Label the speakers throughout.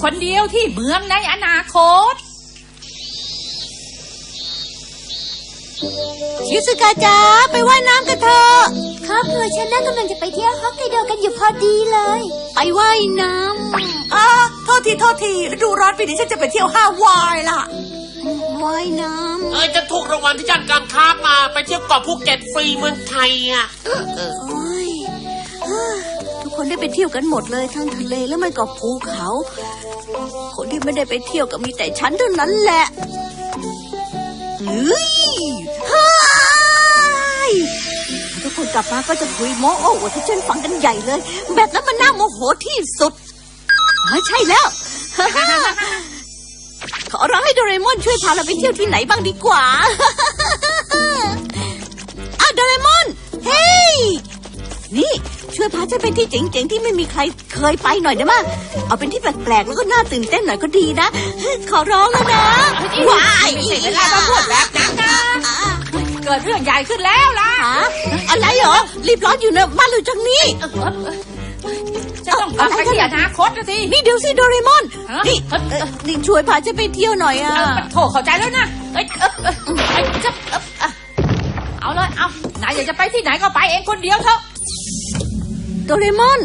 Speaker 1: คนเดียวที่เมืองในอนาคต
Speaker 2: ชิซึกะจ๋าไปว่ายน้ำกันเถอะ
Speaker 3: ครอบครัวฉันน่ากำลังจะไปเที่ยวฮอกไกโดกันอยู่พอดีเลย
Speaker 2: ไปว่ายน้ำ
Speaker 4: โทษทีฤดูร้อนปีนี้ฉันจะไปเที่ยวฮาวายล่ะ
Speaker 2: ว่ายน้ำ
Speaker 5: จะถูกรางวัลที่ย่านการค้ามาไปเที่ยวเกาะภูเก็ตฟรีเมืองไทยอ่ะ
Speaker 2: ทุกคนได้ไปเที่ยวกันหมดเลยทั้งทะเลแล้วมันก็ภูเขาคนที่ไม่ได้ไปเที่ยวก็มีแต่ฉันเท่านั้นแหละทุกคนกลับมาก็จะคุยโม้โอ้ที่ฉันฟังกันใหญ่เลยแบบนั้นมันน่าโมโหที่สุดไม่ใช่แล้วขอร้องให้โดเรมอนช่วยพาเราไปเที่ยวที่ไหนบ้างดีกว่าโดเรมอนเฮ้ยนี่ช่วยพาฉันไปที่เจ๋งๆที่ไม่มีใครเคยไปหน่อยได้มั้ยเอาเป็นที่แปลกๆแล้วก็น่าตื่นเต้นหน่อยก็ดีนะขอร้องแล้วนะ
Speaker 1: ว้ายไม่ใช่เวลามาพูดแบบนั้นนะเกิดเรื่องใหญ่ขึ้นแล้วล่ะ
Speaker 2: อะไรเหรอรีบร้อนอยู่นะบ้านเราจังนี้
Speaker 1: จะต้องกลับไปที่อนาคตนะสิ
Speaker 2: นี่เดี๋ยวสิโดเรมอนนี่ช่วยพาฉันไปเที่ยวหน่อย
Speaker 1: โถเข้าใจแล้วนะเอาเลยนายอยากจะไปที่ไหนก็ไปเองคนเดียวเถอะ
Speaker 2: โดเรมอน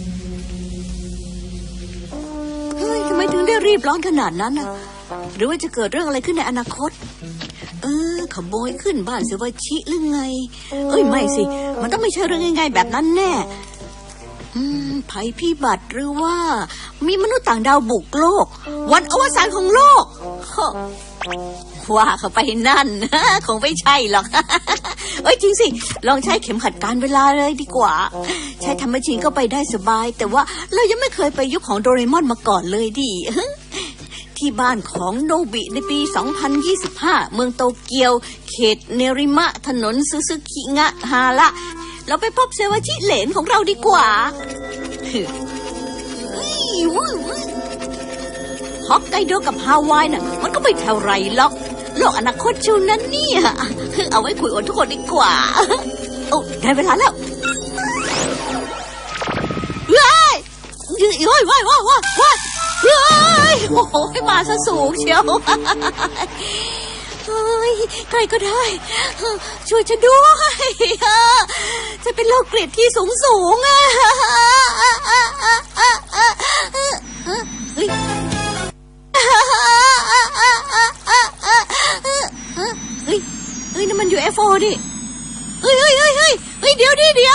Speaker 2: เฮ้ยทำไมถึงได้รีบร้อนขนาดนั้นนะหรือว่าจะเกิดเรื่องอะไรขึ้นในอนาคตขโมยขึ้นบ้านเซวาชิหรือไงไม่สิมันต้องไม่ใช่เรื่องง่ายๆแบบนั้นแน่ภัยพิบัติหรือว่ามีมนุษย์ต่างดาวบุกโลกวันอวสานของโลกว่าเข้าไปนั่นคงไม่ใช่หรอกจริงสิลองใช้เข็มขัดการเวลาเลยดีกว่าใช้ทำแมชชีนก็ไปได้สบายแต่ว่าเรายังไม่เคยไปยุคของโดเรมอนมาก่อนเลยดิที่บ้านของโนบิในปี 2025 เมืองโตเกียวเขตเนริมะถนนซึซึคิงะฮาระเราไปพบเซวาชิเหลนของเราดีกว่าฮอกไกโดกับฮาวายน่ะมันก็ไม่เท่าไรหรอกโลกอนาคตชูนั้นเนี่ยเอาไว้คุยกับทุกคนดีกว่าได้เวลาแล้วว้ายโอ้โหมาซะสูงเชียวใครก็ได้ช่วยฉันด้วยจะเป็นโรคเกลียดที่สูงนั่นมัน UFO ดิเดี๋ยว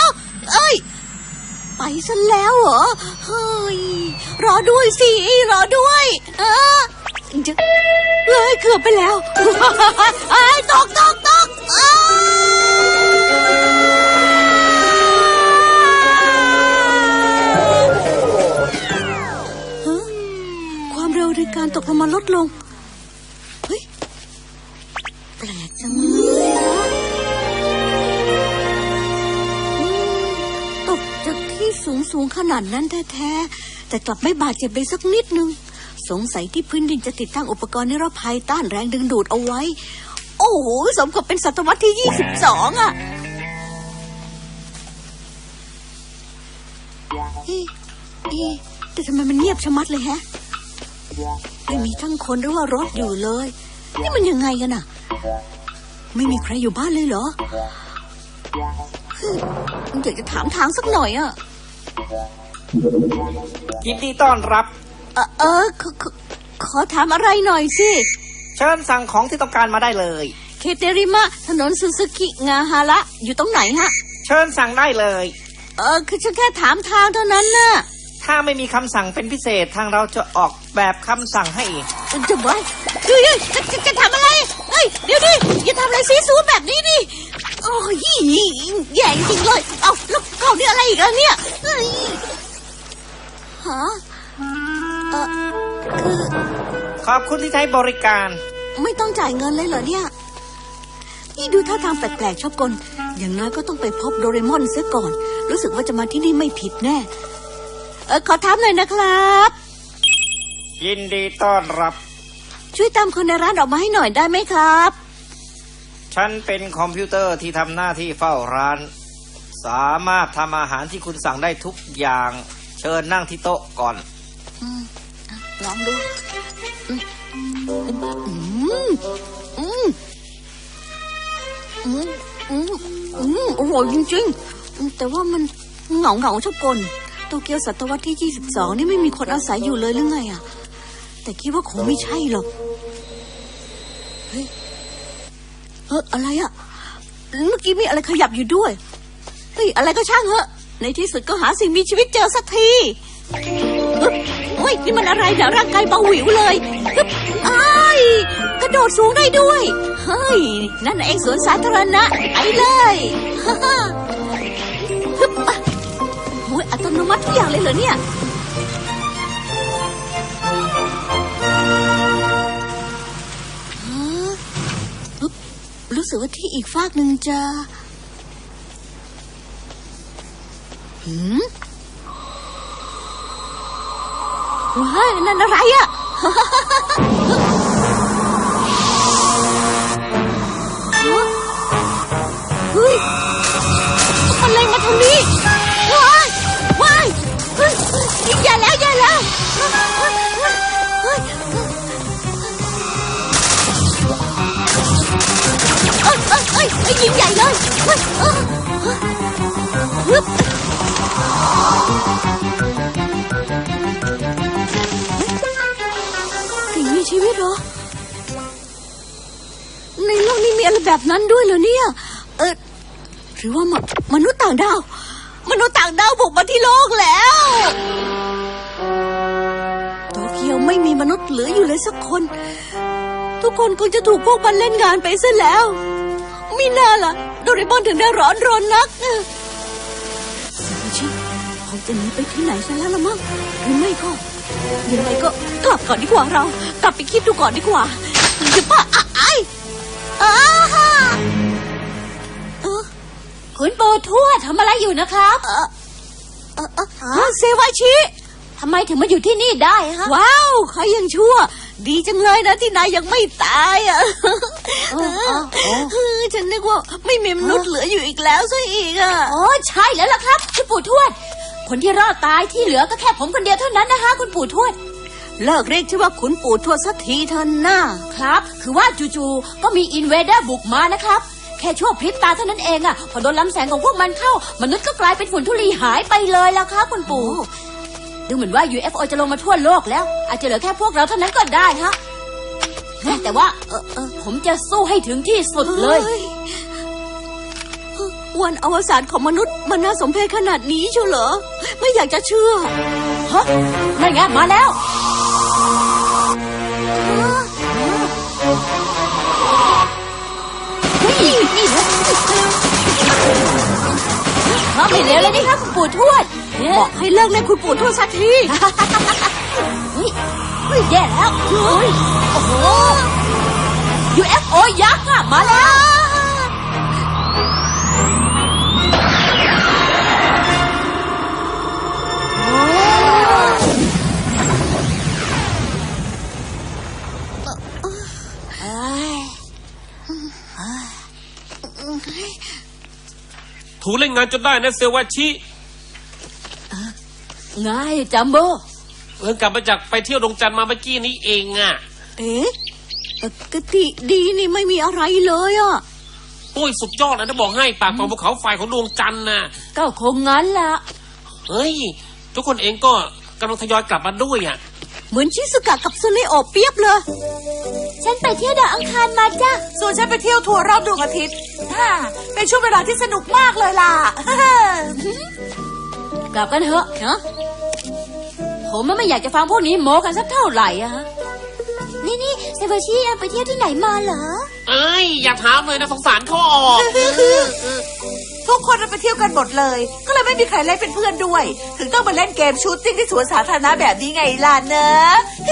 Speaker 2: ไปซะแล้วเหรอรอด้วยสิรอด้วยเกือบไปแล้วตกความเร็วในการตกลงมาลดลงแปลกจังเลยตกจากที่สูงขนาดนั้นแท้ๆแต่กลับไม่บาดเจ็บเลยสักนิดนึงสงสัยที่พื้นดินจะติดตั้งอุปกรณ์นิรภัยต้านแรงดึงดูดเอาไว้โอ้โหสมกับเป็นศตวรรษที่22แต่ทำไมมันเงียบชะมัดเลยแฮะไม่มีทั้งคนหรือว่ารถอยู่เลยนี่มันยังไงกันน่ะไม่มีใครอยู่บ้านเลยเหรออยากจะถามทางสักหน่อย
Speaker 6: ยินดีต้อนรับ
Speaker 2: ขอถามอะไรหน่อยสิ
Speaker 6: เชิญสั่งของที่ต้องการมาได้เลย
Speaker 2: เคเตริมะถนนซึซึคิงาฮาระอยู่ตรงไหนฮะ
Speaker 6: เชิญสั่งได้เลย
Speaker 2: คือฉันแค่ถามทางเท่านั้นน่ะ
Speaker 6: ถ้าไม่มีคำสั่งเป็นพิเศษทางเราจะออกแบบคำสั่งให้เอง
Speaker 2: จะไว้จะทำอะไรเดี๋ยวดิอย่าทำอะไรซีซูแบบนี้ดิโอ้ยแย่จริงเลยแล้วเขาเนี่ยอะไรอีกแล้วเนี่ยคือ
Speaker 6: ขอบคุณที่ใช้บริการ
Speaker 2: ไม่ต้องจ่ายเงินเลยเหรอเนี่ยนี่ดูท่าทางแปลกๆชอบกลอย่างน้อยก็ต้องไปพบโดเรมอนซะก่อนรู้สึกว่าจะมาที่นี่ไม่ผิดแน่ขอถามหน่อยนะครับ
Speaker 6: ยินดีต้อนรับ
Speaker 2: ช่วยตามคนในร้านออกมาให้หน่อยได้ไหมครับ
Speaker 6: ฉันเป็นคอมพิวเตอร์ที่ทำหน้าที่เฝ้าร้านสามารถทำอาหารที่คุณสั่งได้ทุกอย่างเชิญนั่งที่โต๊ะก่อน
Speaker 2: ลองดูอร่อยจริงๆแต่ว่ามันเหงาชอบกลโตเกียวศตวรรษที่22นี่ไม่มีคนอาศัยอยู่เลยหรือไงอ่ะแต่คิดว่าคงไม่ใช่หรอกเฮ้ยอะไรอ่ะเมื่อกี้มีอะไรขยับอยู่ด้วยเฮ้ยอะไรก็ช่างเหอะในที่สุดก็หาสิ่งมีชีวิตเจอสักทีเฮ้ยนี่มันอะไรเนี่ยร่างกายเบาหวิวเลยกระโดดสูงได้ด้วยเฮ้ยนั่นเองสวนสาธารณะไปเลยโอ้ยอัตโนมัติทุกอย่างเลยเหรอเนี่ยรู้สึกว่าที่อีกฟากหนึ่งจะว้ายนั่นอะไรอ่ะเฮ้ยมันเลยมาทางนี้ว้ายอย่าแล้วยิงใหญ่เลยสิ่งมีชีวิตเหรอในโลกนี้มีอะไรแบบนั้นด้วยเหรอเนี่ยหรือว่ามนุษย์ต่างดาวบุกมาที่โลกแล้วโตเกียวไม่มีมนุษย์เหลืออยู่เลยสักคนทุกคนคงจะถูกพวกมันเล่นงานไปซะแล้วมิน่าล่ะโดเรมอนถึงได้ร้อนรนนักชิคงจะหนีไปที่ไหนซะแล้วละมั้งหรือไม่ก็ยังไงก็กลับก่อนดีกว่าเรากลับไปคิดดูก่อนดีกว่าจะป้า
Speaker 3: คุณปู่ทวดทำอะไรอยู่นะครับ
Speaker 2: เซวาชิ
Speaker 3: ทำไมถึงมาอยู่ที่นี่ได้ฮะ
Speaker 2: ว้าวเขายังชั่วดีจังเลยนะที่นายยังไม่ตายอ่ะฉันนึกว่าไม่มีมนุษย์เหลืออยู่อีกแล้วซะอีกอ่ะ
Speaker 3: โอ้ใช่แล้วล่ะครับคุณปู่ทวดคนที่รอดตายที่เหลือก็แค่ผมคนเดียวเท่านั้นนะคะคุณปู่ทวด
Speaker 2: เลิกเรียกชื่อว่าขุนปู่ทวดสักทีเถอะนะครับ
Speaker 3: คือว่าจู่ๆก็มีอินเวเดอร์บุกมานะครับแค่ชั่วพริบตาเท่านั้นเองอ่ะพอโดนลำแสงของพวกมันเข้ามนุษย์ก็กลายเป็นฝุ่นธุลีหายไปเลยแล้วครับคุณปู่ดูเหมือนว่า UFO จะลงมาทั่วโลกแล้วอาจจะเหลือแค่พวกเราเท่านั้นก็ได้ฮะแต่ว่าผมจะสู้ให้ถึงที่สุดเลย
Speaker 2: วันอวสานของมนุษย์มันน่าสมเพชขนาดนี้เชียวเหรอไม่อยากจะเชื่อ
Speaker 3: ฮะนั่นไงมาแล้วนี่นะไม่เร็วเลยนี่ครับคุณปู่ทวด
Speaker 2: บอกให้เลิกเล่นคุณปู่ทวดสักที
Speaker 3: แย่แล้วโอ้โห UFO ยักษ์อะมาแล้ว
Speaker 5: ถูเล่นงานจนได้นะเซวาชิ
Speaker 3: ไงจัมโบ้
Speaker 5: กลับมาจากไปเที่ยวดวงจันทร์มาเมื่อกี้นี้เองอ่ะ
Speaker 2: กติดีนี่ไม่มีอะไรเลยอ่ะ
Speaker 5: โอ้ยสุดยอดเลยนะบอกให้ปากของภูเขาไฟของดวงจันทร์น่ะ
Speaker 3: ก็คงงั้นล่ะ
Speaker 5: เฮ้ยทุกคนเองก็กำลังทยอยกลับมาด้วยอ่ะ
Speaker 2: เหมือนชิซุกะกับซุเนโอะเปียบเลย
Speaker 3: ฉันไปเที่ยวดาวอังคารมาจ้ะ
Speaker 4: ส่วนฉันไปเที่ยวทัวร์รอบดวงอาทิตย์เป็นช่วงเวลาที่สนุกมากเลยล่ะ
Speaker 3: กลับกันเถอะผมไม่อยากจะฟังพวกนี้โม้กันสักเท่าไหร่อะฮะนี่เซวาชิไปเที่ยวที่ไหนมาเหรอ
Speaker 5: อย่าถามเลยนะสงสารเขาออก
Speaker 4: ทุกคนไปเที่ยวกันหมดเลยก็เลยไม่มีใครเล่นเป็นเพื่อนด้วยถึงต้องมาเล่นเกมชูตติ้งที่สวนสาธารณะแบบนี้ไงล่ะเนอะ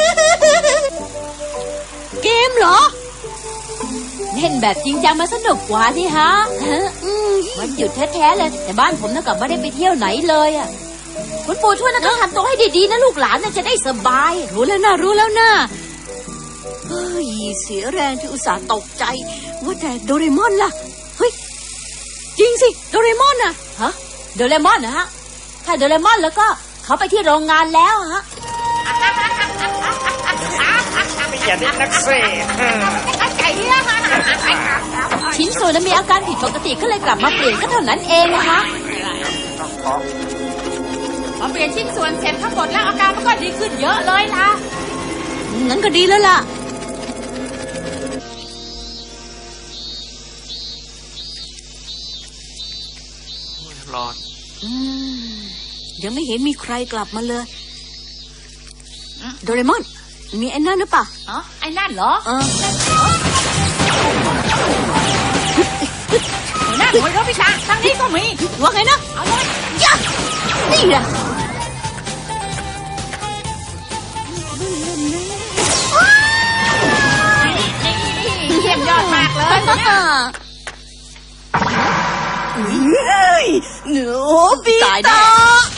Speaker 2: เกมเหรอ
Speaker 3: เล่นแบบจริงจังมาสนุกกว่านี่ฮะมันหยุดแท้ๆเลยแต่บ้านผมน่ะกลับไม่ได้ไปเที่ยวไหนเลยอ่ะคุณปู่ช่วยนะต้องทำตัวให้ดีๆนะลูกหลานน่ะจะได้สบาย
Speaker 2: รู้แล้วนะเฮ้ยเสียแรงที่อุตส่าห์ตกใจว่าแต่โดเรมอนล่ะเฮ้ยจริงสิโดเรมอนน่ะ
Speaker 3: ฮะโดเรมอนนะฮะถ้าโดเรมอนแล้วก็เขาไปที่โรงงานแล้วฮะ
Speaker 6: อย่าดิ้นนักสิ
Speaker 3: ชิ้นส่วนนั้นมีอาการผิดปกติก็เลยกลับมาเปลี่ยนก็เท่านั้นเองนะคะ
Speaker 1: พอเปลี่ยนชิ้นส่วนเสร็จทั้งหมดแล้วอาการมันก็ดีขึ้นเยอะเลยล่ะ
Speaker 2: งั้นก็ดีแล้วล่ะ
Speaker 5: ร้อน
Speaker 2: ยังไม่เห็นมีใครกลับมาเลย โดเรมอน มีไอ้นั่นหรือเปล่า
Speaker 1: อ๋อ ไอ้นั่นเหรอ หัวหน้าหน่วยรบวิชาทางนี้ก็มี
Speaker 2: ว่าไงนะ
Speaker 1: เอาเลย
Speaker 2: ยะนี่แหละ
Speaker 1: เยี่ยมยอดมากเลย
Speaker 4: เฮ้ยหนูปี
Speaker 2: ตายแน่
Speaker 4: ตา